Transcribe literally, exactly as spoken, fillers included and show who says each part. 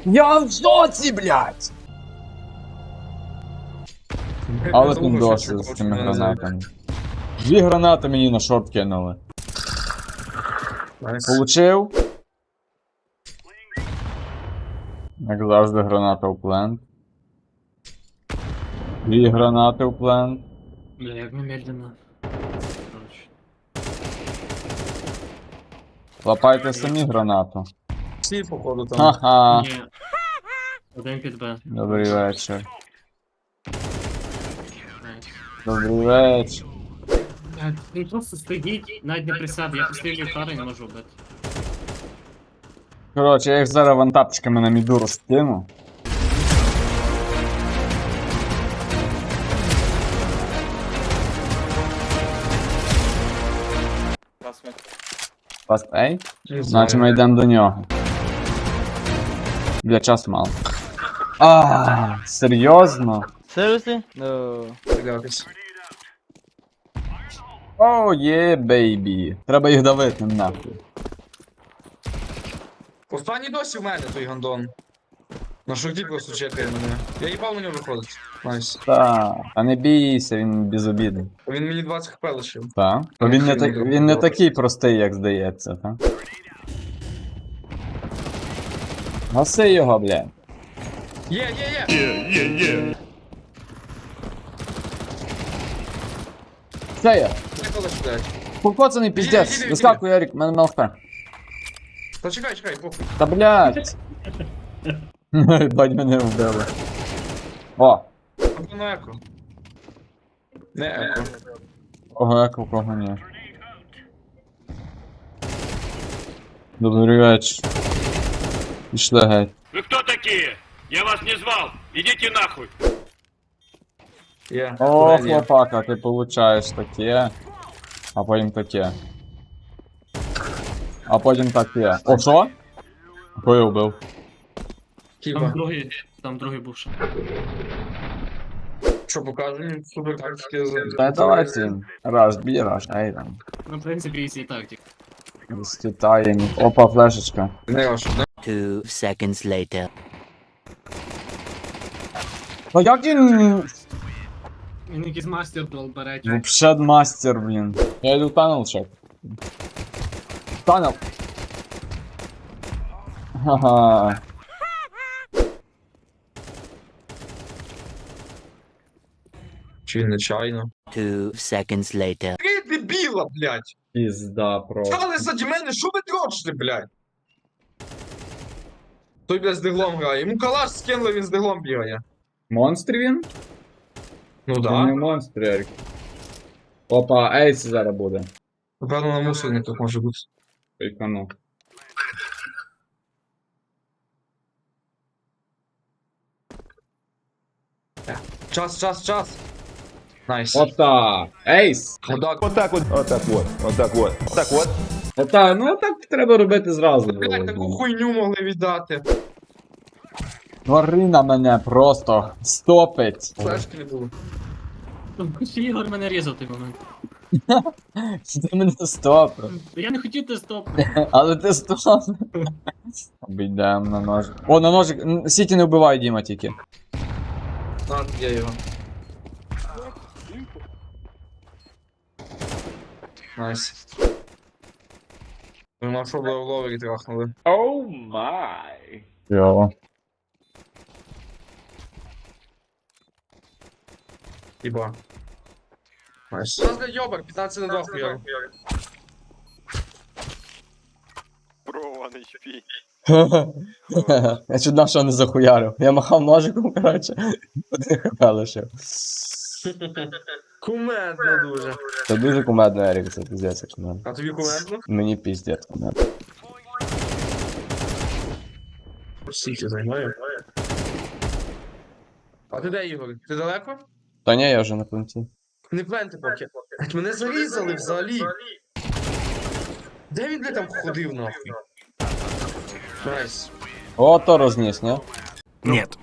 Speaker 1: Я в шоці, блядь! Але тут досить з цими гранатами. Дві гранати мені на шорт кинули.
Speaker 2: Найс.
Speaker 1: Получив. Як завжди, граната у плент. Дві гранати у плент.
Speaker 3: Бля, як ми медленно. Короче.
Speaker 1: Лапайте самі гранату.
Speaker 2: Всі, походу, там.
Speaker 1: Ха-ха.
Speaker 3: Ні. Один під Б.
Speaker 1: Добрий вечір.
Speaker 3: Найс.
Speaker 1: Добрий вечір.
Speaker 3: Блядь, Він просто стоїть, навіть не присяде, я пустив ліхтар і не можу вбити.
Speaker 1: Коротше, я їх зараз вантапчиками на міду розкину. Паст ей?
Speaker 2: Не знаю.
Speaker 1: Значить ми йдемо до нього. Бля, часу мало. А, серйозно?
Speaker 4: Seriously? No.
Speaker 2: Стрілятись.
Speaker 1: О, є, бейбі. Треба їх давити, нахуй.
Speaker 2: Останній досі в мене той гандон. На шорті просто чекає мене. Я їбав на нього виходить. Найс.
Speaker 1: Та, та не бійся, він безобідний.
Speaker 2: Він мені двадцять хп лишив.
Speaker 1: Та? То він не, так, він не такий простий, як здається, та? Гаси його, бля.
Speaker 2: Є, є, є!
Speaker 1: Це я.
Speaker 2: Це колиш, блядь.
Speaker 1: Покоцаний
Speaker 2: Іди,
Speaker 1: піздець.
Speaker 2: іди,
Speaker 1: Вискакуй, Ярик, мене МЛХ.
Speaker 2: Та чекай, чекай, похуй.
Speaker 1: Та блядь. Бать мене вбили. О,
Speaker 2: Або на еко. Не еко.
Speaker 1: кого еко, кого ні. Добрий вечір. Пішли геть.
Speaker 5: Вы кто такие? Я вас не звал. Идите нахуй.
Speaker 2: Є.
Speaker 1: О,
Speaker 2: Турель є.
Speaker 1: хлопака, ти получаєш таке, а потім таке. А потім таке. О, що? Кого я вбив?
Speaker 3: Там
Speaker 2: Хіба.
Speaker 3: другий, там другий був ще.
Speaker 2: Що покажемо? Супер тактики.
Speaker 1: Та давайте. Раш, бій, раш, ей там.
Speaker 3: Ну, в принципі, і тактик.
Speaker 1: Розкитаємо. Опа, флешечка.
Speaker 2: Не ваш, да?
Speaker 4: Two seconds later.
Speaker 1: Ну як він...
Speaker 3: Він якийсь мастер дол бере.
Speaker 1: Вообще мастер, блін. Я йду в танел чек. Танел. Ха-ха.
Speaker 2: Чи він нечайно?
Speaker 4: Two seconds later.
Speaker 2: Три дебіла, блядь!
Speaker 1: Пізда просто.
Speaker 2: Стали заді мене, що ви дрочите, блядь? Той, блядь, з диглом грає. Йому калаш скинули, він з диглом бігає.
Speaker 1: Монстр він?
Speaker 2: Ну
Speaker 1: Він
Speaker 2: да.
Speaker 1: не монстр, Ерік. Опа, ейс зараз буде.
Speaker 2: Напевно, на мусорниках може бути.
Speaker 1: Прикану.
Speaker 2: Час, час, час. Найс.
Speaker 1: Ота! Ейс!
Speaker 2: Мудак.
Speaker 6: Вот так вот, вот так вот, вот так вот, вот так вот.
Speaker 1: Ота, ну так треба робити зразу.
Speaker 2: Блядь, таку хуйню могли віддати.
Speaker 1: Тварина мене просто стопить.
Speaker 2: Флешки не було.
Speaker 3: Ще Ігор мене різав в той момент.
Speaker 1: Ти мене стопив.
Speaker 3: Я не хотів те стоп.
Speaker 1: Але ти стопив. Обійдемо на ножик. О, на ножик. Н- Сіті не вбивай, Діма, тільки.
Speaker 2: На, я його. Найс. Ви на що в ловері трахнули?
Speaker 5: Оу май.
Speaker 1: Йо.
Speaker 2: Хіба. Найс. Що за йобар? п'ятнадцять на два хуяри.
Speaker 6: Про one эйч пи.
Speaker 1: Я чуть дав, що не захуярив. Я махав ножиком, коротше. Один хп лишив.
Speaker 2: Кумедно дуже.
Speaker 1: Це дуже кумедно, Ерік, це піздець, як на мене.
Speaker 2: А тобі кумедно?
Speaker 1: Мені піздець кумедно.
Speaker 2: Сіті займає. А ти де, Ігор? Ти далеко?
Speaker 1: Та ні, я вже на пункті.
Speaker 2: Не пленти поки. Блядь, мене зарізали взагалі. Де він, блядь, там ходив, нахуй? Найс.
Speaker 1: О, то розніс, не?
Speaker 7: Нет.